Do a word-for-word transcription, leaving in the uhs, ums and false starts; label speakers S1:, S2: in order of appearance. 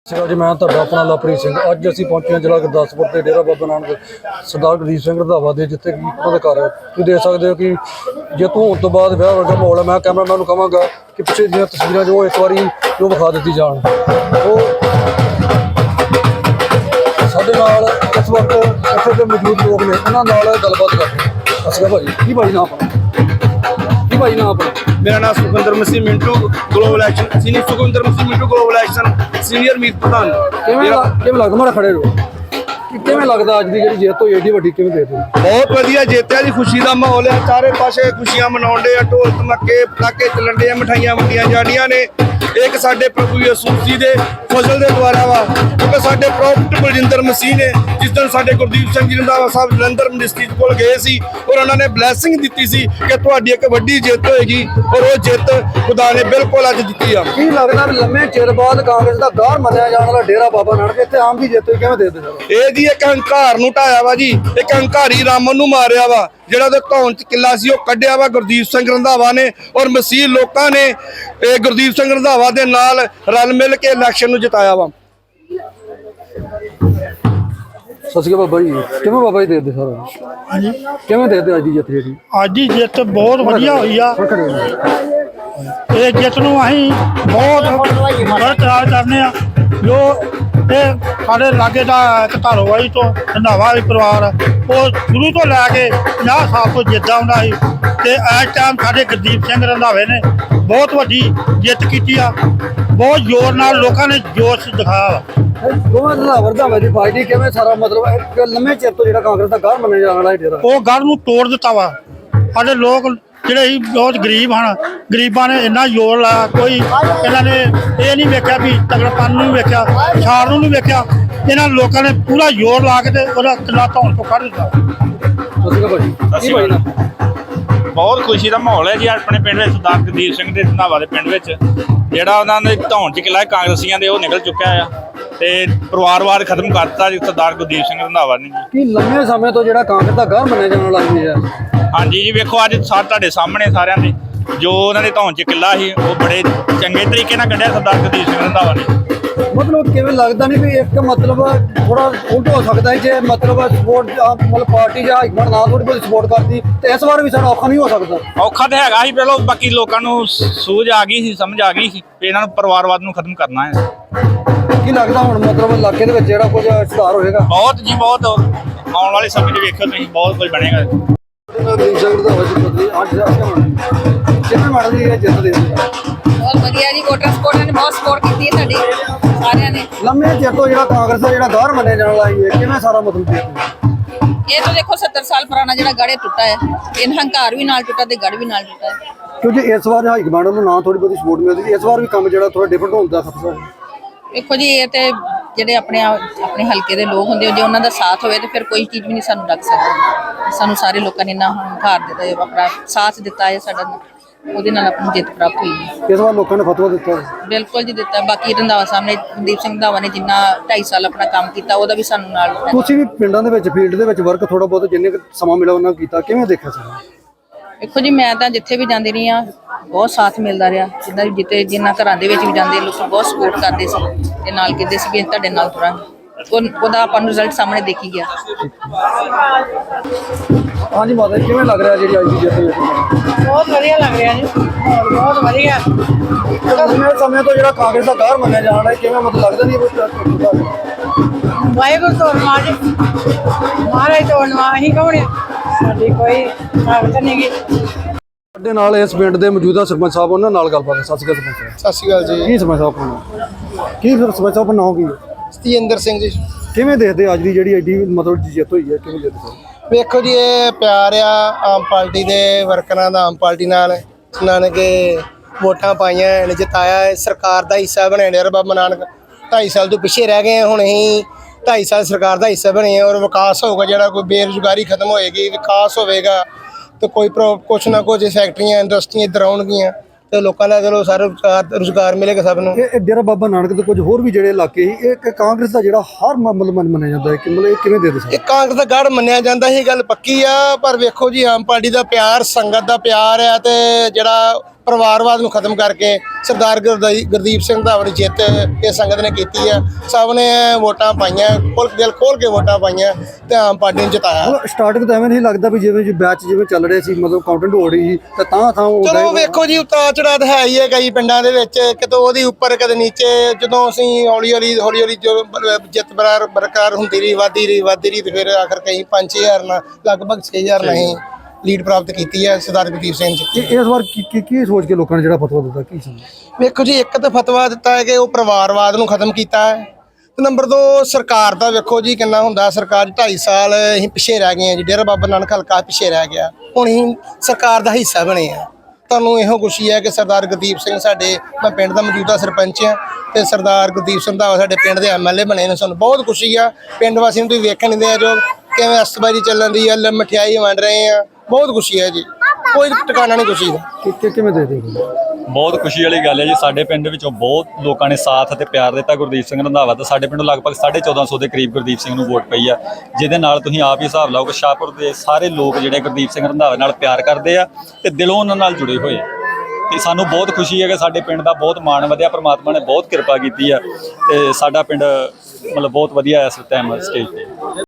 S1: जी मैं तो अपना लवप्रीत सिंह अज असीं पहुंचे जिला गुरदासपुर के डेरा बाबा नानक सरदार गुरदीप सिंह रंधावा दे जिथे कि उन्होंने घर तुसीं देख सकते हो कि जेतू होने तो बाद विआह वर्गा माहौल है। मैं कैमरामैन नूं कहांगा कि पिछे दी तस्वीरां जो एक बारी जो विखा दी जान। वो साडे नाल इस वक्त इत्थे दे मौजूद लोग ने उन्हां नाल गलबात करदे। अस्सलाम भाई की भाई नाम अपना की भाई नाम अपना?
S2: मेरा नाम Sukhwinder Masih Mintu global action senior Sukhwinder Masih Mintu global action senior मीत प्रधान।
S1: किवें किवें लगदा मारा खड़े रहो किवें लगदा अज दी जिहड़ी जिੱਤ होई एडी वड्डी किवें देखदे?
S2: बहुत वधिया जिੱਤਿਆ जी खुशी का माहौल है। चारे पासे खुशियां मनाउण डे आ, ढोल धमाके पटाके चलन डे आ, मिठाइयां वंडियां जाणियां ने। एक साडे प्रभु यीशु मसीह दे फजल दे द्वारा वा क्योंकि साडे प्रॉफिट बलजिंदर मसीह ने जिस दिन साडे गुरदीप सिंह जी रंधावा साहब जलंधर मिनिस्ट्री कोल गए सी और उन्होंने ब्लैसिंग दी सी कि तुहाडी एक वड्डी जिੱਤ होएगी और वो जिੱਤ खुदा ने बिल्कुल अज दित्ती आ।
S1: की लगदा लम्मे चिर बाद कांग्रेस दा गौर मन्निया जाण वाला डेरा बाबा नानक इत्थे आम दी जिੱਤ होई किवें देखदे सर?
S2: ਇਹ ਜੀ ਇੱਕ ਹੰਕਾਰ ਨੂੰ ਢਾਇਆ ਵਾ ਜੀ, ਇੱਕ ਹੰਕਾਰੀ ਰਾਮਨ ਨੂੰ ਮਾਰਿਆ ਵਾ ਜਿਹੜਾ ਉਹਦੇ ਧੌਣ ਚ ਕਿੱਲਾ ਸੀ ਉਹ ਕੱਢਿਆ ਵਾ ਗੁਰਦੀਪ ਸਿੰਘ ਰੰਧਾਵਾ ਨੇ ਔਰ ਮਸੀਹ ਲੋਕਾਂ ਨੇ ਇਹ ਗੁਰਦੀਪ ਸਿੰਘ ਰੰਧਾਵਾ ਦੇ ਨਾਲ ਰਲ ਮਿਲ ਕੇ ਇਲੈਕਸ਼ਨ ਨੂੰ ਜਿਤਾਇਆ ਵਾ।
S1: ਸਤਿ ਸ਼੍ਰੀ ਅਕਾਲ ਬਾਬਾ ਜੀ ਕਿਵੇਂ ਬਾਬਾ ਜੀ ਦੇਖਦੇ ਸਾਰਾ?
S3: ਹਾਂਜੀ
S1: ਕਿਵੇਂ ਦੇਖਦੇ ਅੱਜ ਦੀ ਜਿੱਤ ਜਿਹੜੀ?
S3: ਅੱਜ ਦੀ ਜਿੱਤ ਬਹੁਤ ਵਧੀਆ ਹੋਈ ਆ। ਇਹ ਜਿੱਤ ਨੂੰ ਅਸੀਂ ਬਹੁਤ ਬਰਕਰਾਰ ਕਰਨੇ ਆ। ਜੋ ਇਹ ਸਾਡੇ ਲਾਗੇ ਦਾ ਇੱਕ ਧਾਰੋਵਾਲੀ ਤੋਂ ਰੰਧਾਵਾ ਪਰਿਵਾਰ ਉਹ ਸ਼ੁਰੂ ਤੋਂ ਲੈ ਕੇ ਪੰਜਾਹ ਸਾਲ ਤੋਂ ਜਿੱਤਦਾ ਹੁੰਦਾ ਸੀ ਤੇ ਇਸ ਟਾਈਮ ਸਾਡੇ ਗੁਰਦੀਪ ਸਿੰਘ ਰੰਧਾਵੇ ਨੇ ਬਹੁਤ ਵੱਡੀ ਜਿੱਤ ਕੀਤੀ ਆ। ਬਹੁਤ ਜ਼ੋਰ ਨਾਲ ਲੋਕਾਂ ਨੇ ਜੋਸ਼ ਦਿਖਾਇਆ ਵਾ।
S1: ਦੋਵਾਂ ਦਾ ਰੰਧਾਵਾ ਦੀ ਪਾਰਟੀ ਕਿਵੇਂ ਸਾਰਾ ਮਤਲਬ ਇੱਕ ਲੰਮੇ ਚਿਰ ਤੋਂ ਜਿਹੜਾ ਕਾਂਗਰਸ ਦਾ ਗੌਰ ਮੰਨਿਆ ਜਾਣ ਵਾਲਾ ਡੇਰਾ
S3: ਉਹ ਗੜ ਨੂੰ ਤੋੜ ਦਿੱਤਾ ਵਾ। ਸਾਡੇ ਲੋਕ ਜਿਹੜੇ ਸੀ ਬਹੁਤ ਗਰੀਬ ਹਨ, ਗਰੀਬਾਂ ਨੇ ਇੰਨਾ ਜ਼ੋਰ ਲਾਇਆ। ਕੋਈ ਇਹਨਾਂ ਨੇ ਇਹ ਨਹੀਂ ਵੇਖਿਆ ਵੀ ਤਗੜਪਨ ਨੂੰ ਵੇਖਿਆ, ਛਾੜ ਨੂੰ ਨਹੀਂ ਵੇਖਿਆ। ਇਹਨਾਂ ਲੋਕਾਂ ਨੇ ਪੂਰਾ ਜ਼ੋਰ ਲਾ ਕੇ ਤੇ ਉਹਦਾ ਕਿੱਲਾ ਧੌਣ ਤੋਂ ਕੱਢ ਦਿੱਤਾ।
S4: ਬਹੁਤ ਖੁਸ਼ੀ ਦਾ ਮਾਹੌਲ ਹੈ ਜੀ ਆਪਣੇ ਪਿੰਡ ਵਿੱਚ। ਸਰਦਾਰ ਗੁਰਦੀਪ ਸਿੰਘ ਦੇ ਰੰਧਾਵਾ ਦੇ ਪਿੰਡ ਵਿੱਚ ਜਿਹੜਾ ਉਹਨਾਂ ਦੇ ਧੌਣ 'ਚ ਕਿਲਾ ਕਾਂਗਰਸੀਆਂ ਦੇ ਉਹ ਨਿਕਲ ਚੁੱਕਿਆ ਆ ਤੇ ਪਰਿਵਾਰਵਾਦ ਖਤਮ ਕਰਤਾ ਜੀ ਸਰਦਾਰ ਗੁਰਦੀਪ ਸਿੰਘ ਰੰਧਾਵਾ ਨੇ ਜੀ।
S1: ਕੀ ਲੰਮੇ ਸਮੇਂ ਤੋਂ ਜਿਹੜਾ ਕਾਂਗਰਸ ਦਾ ਗੌਰ ਮੰਨਿਆ ਜਾਣ ਵਾਲਾ ਹੈ?
S4: ਹਾਂਜੀ ਜੀ ਵੇਖੋ ਅੱਜ ਸਾ ਤੁਹਾਡੇ ਸਾਹਮਣੇ ਸਾਰਿਆਂ ਦੇ ਜੋ ਉਹਨਾਂ ਦੇ ਧੌਣ 'ਚ ਕਿਲਾ ਸੀ ਉਹ ਬੜੇ ਚੰਗੇ ਤਰੀਕੇ ਨਾਲ ਕੱਢਿਆ ਸਰਦਾਰ ਗੁਰਦੀਪ ਸਿੰਘ ਰੰਧਾਵਾ ਨੇ।
S1: ਮਤਲਬ ਕਿਵੇਂ ਲੱਗਦਾ ਨਹੀਂ ਵੀ ਇੱਕ ਮਤਲਬ ਥੋੜਾ ਉਲਟ ਹੋ ਸਕਦਾ ਹੈ ਜੇ ਮਤਲਬ ਸਪੋਰਟ ਮਤਲਬ ਪਾਰਟੀ ਜਾਂ ਹਾਈਕਮਾਂਡ ਨਾ ਥੋੜੀ ਬਹੁਤ ਸਪੋਰਟ ਕਰਦੀ ਤੇ ਇਸ ਵਾਰ ਵੀ ਸਾਡਾ ਔਖਾ ਨਹੀਂ ਹੋ ਸਕਦਾ?
S4: ਔਖਾ ਤਾਂ ਹੈਗਾ ਸੀ ਪਹਿਲਾਂ, ਬਾਕੀ ਲੋਕਾਂ ਨੂੰ ਸੂਝ ਆ ਗਈ ਸੀ, ਸਮਝ ਆ ਗਈ ਸੀ ਵੀ ਇਹਨਾਂ ਨੂੰ ਪਰਿਵਾਰਵਾਦ ਨੂੰ ਖਤਮ ਕਰਨਾ ਹੈ।
S1: ਕੀ ਲੱਗਦਾ ਹੁਣ ਮਤਲਬ ਇਲਾਕੇ ਦੇ ਵਿੱਚ ਜਿਹੜਾ ਕੁਝ ਸੁਧਾਰ ਹੋਏਗਾ?
S4: ਬਹੁਤ ਜੀ ਬਹੁਤ ਆਉਣ ਵਾਲੇ ਸਮੇਂ 'ਚ ਵੇਖਿਓ ਤੁਸੀਂ ਬਹੁਤ ਕੁਝ ਬਣੇਗਾ।
S1: ਕਿਵੇਂ ਮਾਰਦੀ ਹੈ ਜਿੱਤ ਦੇ?
S5: ਬਹੁਤ ਵਧੀਆ ਜੀ, ਵੋਟਰ ਸਪੋਰਟ ਨੇ ਬਹੁਤ ਸਪੋਰਟ ਕੀਤੀ ਹੈ ਸਾਡੀ ਸਾਰਿਆਂ ਨੇ।
S1: ਲੰਮੇ ਚਿਰ ਤੋਂ ਜਿਹੜਾ ਕਾਂਗਰਸ ਦਾ ਜਿਹੜਾ ਗੌਰ ਮੰਨਿਆ ਜਾਣ ਵਾਲਾ ਹੈ ਕਿਵੇਂ ਸਾਰਾ ਮਤਲਬ
S5: ਇਹ ਤਾਂ ਦੇਖੋ ਸੱਤਰ ਸਾਲ ਪੁਰਾਣਾ ਜਿਹੜਾ ਗੜ੍ਹ ਟੁੱਟਾ ਹੈ, ਇਹ ਹੰਕਾਰ ਵੀ ਨਾਲ ਟੁੱਟਾ ਤੇ ਗੜ੍ਹ ਵੀ ਨਾਲ ਟੁੱਟਾ ਹੈ।
S1: ਕਿਉਂਕਿ ਇਸ ਵਾਰ ਹਾਈ ਕਮਾਂਡ ਨੂੰ ਨਾ ਥੋੜੀ ਬਹੁਤੀ ਸਪੋਰਟ ਮਿਲਦੀ, ਇਸ ਵਾਰ ਵੀ ਕੰਮ ਜਿਹੜਾ ਥੋੜਾ ਡਿਫਰੈਂਟ ਹੁੰਦਾ ਖਤਰਾ ਹੈ।
S5: ਦੇਖੋ ਜੀ ਇਹ ਤੇ ਜਿਹੜੇ ਆਪਣੇ ਆਪਣੇ ਹਲਕੇ ਦੇ ਲੋਕ ਹੁੰਦੇ ਜੇ ਉਹਨਾਂ ਦਾ ਸਾਥ ਹੋਵੇ ਤੇ ਫਿਰ ਕੋਈ ਚੀਜ਼ ਵੀ ਨਹੀਂ ਸਾਨੂੰ ਡੱਕ ਸਕਦੀ। ਸਾਨੂੰ ਸਾਰੇ ਲੋਕਾਂ ਨੇ ਇੰਨਾ ਹੰਕਾਰ ਦਿੱਤਾ ਹੈ, ਆਪਣਾ ਸਾਥ ਦਿੱਤਾ ਹੈ ਸਾਡਾ, ਉਹਦੇ ਨਾਲ ਆਪਣੀ ਜਿੱਤ ਪ੍ਰਾਪਤ ਹੋਈ ਹੈ।
S1: ਇਸ ਵਾਰ ਲੋਕਾਂ ਨੇ ਫਤਵਾ ਦਿੱਤਾ
S5: ਬਿਲਕੁਲ ਜੀ ਦਿੱਤਾ। ਬਾਕੀ ਰੰਧਾਵਾ ਸਾਹਿਬ ਨੇ ਗੁਰਦੀਪ ਸਿੰਘ ਰੰਧਾਵਾ ਨੇ ਜਿੰਨਾ ਢਾਈ ਸਾਲ ਆਪਣਾ ਕੰਮ ਕੀਤਾ ਉਹਦਾ ਵੀ ਸਾਨੂੰ ਨਾਲ।
S1: ਤੁਸੀਂ ਵੀ ਪਿੰਡਾਂ ਦੇ ਵਿੱਚ ਫੀਲਡ ਦੇ ਵਿੱਚ ਵਰਕ ਥੋੜਾ ਬਹੁਤ ਜਿੰਨੇ ਸਮਾਂ ਮਿਲਿਆ ਉਹਨਾਂ ਕੀਤਾ, ਕਿਵੇਂ ਦੇਖਿਆ ਸਾਰਾ?
S5: ਦੇਖੋ ਜੀ ਮੈਂ ਤਾਂ ਜਿੱਥੇ ਵੀ ਜਾਂਦੀ ਰਹੀ ਹਾਂ ਬਹੁਤ ਸਾਥ ਮਿਲਦਾ ਰਿਹਾ। ਜਿੱਦਾਂ ਜਿੱਤੇ ਜਿੰਨਾ ਘਰਾਂ ਦੇ ਵਿੱਚ ਵੀ ਜਾਂਦੇ ਲੋਕ ਬਹੁਤ ਸਪੋਰਟ ਕਰਦੇ ਸੀ ਤੇ ਨਾਲ ਕਹਿੰਦੇ ਸੀ ਵੀ ਤੁਹਾਡੇ ਨਾਲ ਤੁਰਾਂਗੇ। ਉਹਦਾ ਆਪਾਂ ਨੂੰ ਰਿਜ਼ਲਟ ਸਾਹਮਣੇ ਦੇਖੀ ਗਿਆ।
S1: ਹਾਂਜੀ ਮਾਤਾ ਜੀ ਕਿਵੇਂ ਲੱਗ ਰਿਹਾ ਜਿਹੜੀ ਅੱਜ ਦੀ ਜਿੱਤ?
S6: ਬਹੁਤ ਵਧੀਆ ਲੱਗ ਰਿਹਾ ਜੀ, ਬਹੁਤ ਵਧੀਆ।
S1: ਲੰਮੇ ਸਮੇਂ ਤੋਂ ਜਿਹੜਾ ਕਾਂਗਰਸ ਦਾ ਗੌਰ ਮੰਨਿਆ ਜਾਣ ਵਾਲਾ ਕਿਵੇਂ ਮਤਲਬ ਲੱਗਦਾ ਨਹੀਂ
S6: ਵਾਹਿਗੁਰੂ ਤੋੜਵਾ ਜੀ, ਮਹਾਰਾਜ ਤੋੜਵਾ। ਅਸੀਂ ਕੌਣ ਆ? ਸਾਡੀ ਕੋਈ ਤਾਕਤ ਨਹੀਂ ਗੀ।
S1: ਸਾਡੇ ਨਾਲ ਇਸ ਪਿੰਡ ਦੇ ਮੌਜੂਦਾ ਸਰਪੰਚ ਸਾਹਿਬ ਉਹਨਾਂ ਨਾਲ ਗੱਲਬਾਤ। ਸਤਿ ਸ਼੍ਰੀ ਅਕਾਲ ਸਰਪੰਚ ਸਾਹਿਬ।
S2: ਸਤਿ ਸ਼੍ਰੀ ਅਕਾਲ ਜੀ।
S1: ਕੀ ਸਰਪੰਚ ਸਾਹਿਬ ਆਪਣਾ ਕੀ ਫਿਰ ਸਰਪੰਚ ਸਾਹਿਬ ਨਾਮ ਕੀ ਹੈ?
S2: ਸਤਿੰਦਰ ਸਿੰਘ ਜੀ।
S1: ਕਿਵੇਂ ਦੇਖਦੇ ਅੱਜ ਦੀ ਜਿਹੜੀ ਐਡੀ ਮਤਲਬ ਜਿੱਤ ਹੋਈ ਹੈ ਕਿਵੇਂ ਦੇਖਦੇ ਸਰ?
S2: ਵੇਖੋ ਜੀ ਇਹ ਪਿਆਰ ਆ ਆਮ ਪਾਰਟੀ ਦੇ ਵਰਕਰਾਂ ਦਾ ਆਮ ਪਾਰਟੀ ਨਾਲ, ਜਿਨ੍ਹਾਂ ਨੇ ਕਿ ਵੋਟਾਂ ਪਾਈਆਂ ਨੇ, ਜਿਤਾਇਆ, ਸਰਕਾਰ ਦਾ ਹਿੱਸਾ ਬਣੇ ਡੇਰਾ ਬਾਬਾ ਨਾਨਕ। ਢਾਈ ਸਾਲ ਤੋਂ ਪਿੱਛੇ ਰਹਿ ਗਏ, ਹੁਣ ਅਸੀਂ ਢਾਈ ਸਾਲ ਸਰਕਾਰ ਦਾ ਹਿੱਸਾ ਬਣੇ ਔਰ ਵਿਕਾਸ ਹੋਊਗਾ। ਜਿਹੜਾ ਕੋਈ ਬੇਰੁਜ਼ਗਾਰੀ ਖਤਮ ਹੋਏਗੀ, ਵਿਕਾਸ ਹੋਵੇਗਾ ਤੇ ਕੋਈ ਕੁਛ ਨਾ ਕੁਛ ਫੈਕਟਰੀਆਂ ਇੰਡਸਟਰੀਆਂ ਇੱਧਰ ਆਉਣਗੀਆਂ ਤੇ ਲੋਕਾਂ ਦਾ ਚਲੋ ਸਾਰਾ ਰੁਜ਼ਗਾਰ ਮਿਲੇਗਾ ਸਭ ਨੂੰ।
S1: ਇਹ ਡੇਰਾ ਬਾਬਾ ਨਾਨਕ ਦੇ ਕੁਝ ਹੋਰ ਵੀ ਜਿਹੜੇ ਇਲਾਕੇ ਸੀ ਇਹ ਕਾਂਗਰਸ ਦਾ ਜਿਹੜਾ ਹਰ ਮਤਲਬ ਮੰਨਿਆ ਜਾਂਦਾ ਹੈ ਕਿ ਮਤਲਬ ਇਹ ਕਿਵੇਂ ਦੇ ਦੇ
S2: ਇਹ ਕਾਂਗਰਸ ਦਾ ਗੜ੍ਹ ਮੰਨਿਆ ਜਾਂਦਾ, ਇਹ ਗੱਲ ਪੱਕੀ ਆ। ਪਰ ਵੇਖੋ ਜੀ ਆਮ ਪਾਰਟੀ ਦਾ ਪਿਆਰ, ਸੰਗਤ ਦਾ ਪਿਆਰ ਆ ਤੇ ਜਿਹੜਾ ਪਰਿਵਾਰਵਾਦ ਨੂੰ ਖਤਮ ਕਰਕੇ ਸਰਦਾਰ ਗੁਰਦੀ- ਗੁਰਦੀਪ ਸਿੰਘ ਧਾਵੜ ਦੀ ਜਿੱਤ ਇਹ ਸੰਗਤ ਨੇ ਕੀਤੀ ਹੈ। ਸਭ ਨੇ ਵੋਟਾਂ ਪਾਈਆਂ, ਖੋਲ ਦਿਲ ਖੋਲ ਕੇ ਵੋਟਾਂ ਪਾਈਆਂ ਤੇ ਆਮ ਪਾਰਟੀ ਨੂੰ ਜਿਤਾਇਆ।
S1: ਸਟਾਰਟਿੰਗ ਤਾਂ ਐਵੇਂ ਨਹੀਂ ਲੱਗਦਾ ਵੀ ਜਿਵੇਂ ਜੀ ਬੈਚ ਜਿਵੇਂ ਚੱਲ ਰਹੇ ਸੀ, ਮਤਲਬ ਕਾਊਂਟਿੰਗ ਹੋ ਰਹੀ ਸੀ ਤਾਂ ਤਾਂ ਥਾਂ ਉਹ
S2: ਚਲੋ ਵੇਖੋ ਜੀ, ਉਤਾਰ ਚੜਾਅ ਤਾਂ ਹੈ ਹੀ ਹੈ ਕਈ ਪਿੰਡਾਂ ਦੇ ਵਿੱਚ, ਕਿਤੇ ਉਹਦੀ ਉੱਪਰ ਕਦੇ ਨੀਚੇ। ਜਦੋਂ ਅਸੀਂ ਹੌਲੀ ਹੌਲੀ ਹੌਲੀ ਹੌਲੀ ਜੋ ਬ- ਜਿੱਤ ਬਰਾਰ ਬਰਕਰਾਰ ਹੁੰਦੀ ਰਹੀ, ਵੱਧਦੀ ਰਹੀ ਵੱਧਦੀ ਰਹੀ ਤੇ ਫਿਰ ਆਖਰ ਕਈ ਪੰਜ ਛੇ ਹਜ਼ਾਰ ਨਾਲ ਲਗਭਗ ਛੇ ਹਜ਼ਾਰ ਨਾਲ ਹੀ ਲੀਡ ਪ੍ਰਾਪਤ ਕੀਤੀ ਹੈ ਸਰਦਾਰ ਗੁਰਦੀਪ ਸਿੰਘ ਜੀ।
S1: ਇਹ- ਇਸ ਵਾਰ ਕੀ ਕੀ- ਕੀ ਸੋਚ ਕੇ ਲੋਕਾਂ ਨੇ ਜਿਹੜਾ ਫਤਵਾ ਦਿੱਤਾ, ਕੀ ਸਮਝ?
S2: ਵੇਖੋ ਜੀ, ਇੱਕ ਤਾਂ ਫਤਵਾ ਦਿੱਤਾ ਹੈ ਕਿ ਉਹ ਪਰਿਵਾਰਵਾਦ ਨੂੰ ਖਤਮ ਕੀਤਾ ਹੈ ਤੇ ਨੰਬਰ ਦੋ ਸਰਕਾਰ ਦਾ ਵੇਖੋ ਜੀ ਕਿੰਨਾ ਹੁੰਦਾ। ਸਰਕਾਰ ਢਾਈ ਸਾਲ ਅਸੀਂ ਪਿੱਛੇ ਰਹਿ ਗਏ ਹਾਂ ਜੀ, ਡੇਰਾ ਬਾਬਾ ਨਾਨਕ ਹਲਕਾ ਪਿੱਛੇ ਰਹਿ ਗਿਆ, ਹੁਣ ਅਸੀਂ ਸਰਕਾਰ ਦਾ ਹਿੱਸਾ ਬਣੇ ਆ। ਤੁਹਾਨੂੰ ਇਹੋ ਖੁਸ਼ੀ ਹੈ ਕਿ ਸਰਦਾਰ ਗੁਰਦੀਪ ਸਿੰਘ ਸਾਡੇ, ਮੈਂ ਪਿੰਡ ਦਾ ਮੌਜੂਦਾ ਸਰਪੰਚ ਹਾਂ ਤੇ ਸਰਦਾਰ ਗੁਰਦੀਪ ਸਿੰਘ ਦਾ ਸਾਡੇ ਪਿੰਡ ਦੇ ਐਮ ਐਲ ਏ ਬਣੇ ਨੇ। ਸਾਨੂੰ ਬਹੁਤ ਖੁਸ਼ੀ ਆ। ਪਿੰਡ ਵਾਸੀਆਂ ਨੂੰ ਤੁਸੀਂ ਵੇਖਣ ਦਿੰਦੇ ਆ ਜੋ ਕਿਵੇਂ ਅਸਤਬਾਜੀ ਚੱਲਣ ਦੀ ਆ, ਮਠਿਆਈ ਵੰਡ ਰਹੇ ਆ, ਬਹੁਤ ਖੁਸ਼ੀ ਹੈ ਜੀ, ਕੋਈ ਟਿਕਾਣਾ ਨਹੀਂ ਖੁਸ਼ੀ ਦਾ।
S1: ਕਿ- ਕਿ- ਕਿਵੇਂ ਦੇ ਦੇ
S7: ਬਹੁਤ ਖੁਸ਼ੀ ਵਾਲੀ ਗੱਲ ਹੈ ਜੀ। ਸਾਡੇ ਪਿੰਡ ਵਿੱਚੋਂ ਬਹੁਤ ਲੋਕਾਂ ਨੇ ਸਾਥ ਅਤੇ ਪਿਆਰ ਦਿੱਤਾ ਗੁਰਦੀਪ ਸਿੰਘ ਰੰਧਾਵਾ ਦਾ। ਸਾਡੇ ਪਿੰਡੋਂ ਲਗਭਗ ਸਾਢੇ ਚੌਦਾਂ ਸੌ ਦੇ ਕਰੀਬ ਗੁਰਦੀਪ ਸਿੰਘ ਨੂੰ ਵੋਟ ਪਈ ਆ, ਜਿਹਦੇ ਨਾਲ ਤੁਸੀਂ ਆਪ ਹੀ ਹਿਸਾਬ ਲਾਓ ਕਿ ਸ਼ਾਹਪੁਰ ਦੇ ਸਾਰੇ ਲੋਕ ਜਿਹੜੇ ਗੁਰਦੀਪ ਸਿੰਘ ਰੰਧਾਵਾ ਨਾਲ ਪਿਆਰ ਕਰਦੇ ਆ ਤੇ ਦਿਲੋਂ ਉਹਨਾਂ ਨਾਲ ਜੁੜੇ ਹੋਏ ਆ। ਤੇ ਸਾਨੂੰ ਬਹੁਤ ਖੁਸ਼ੀ ਹੈ ਕਿ ਸਾਡੇ ਪਿੰਡ ਦਾ ਬਹੁਤ ਮਾਣ ਵਧਿਆ, ਪ੍ਰਮਾਤਮਾ ਨੇ ਬਹੁਤ ਕਿਰਪਾ ਕੀਤੀ ਆ ਤੇ ਸਾਡਾ ਪਿੰਡ ਮਤਲਬ ਬਹੁਤ ਵਧੀਆ ਇਸ ਟਾਈਮ ਸਟੇਜ ਤੇ।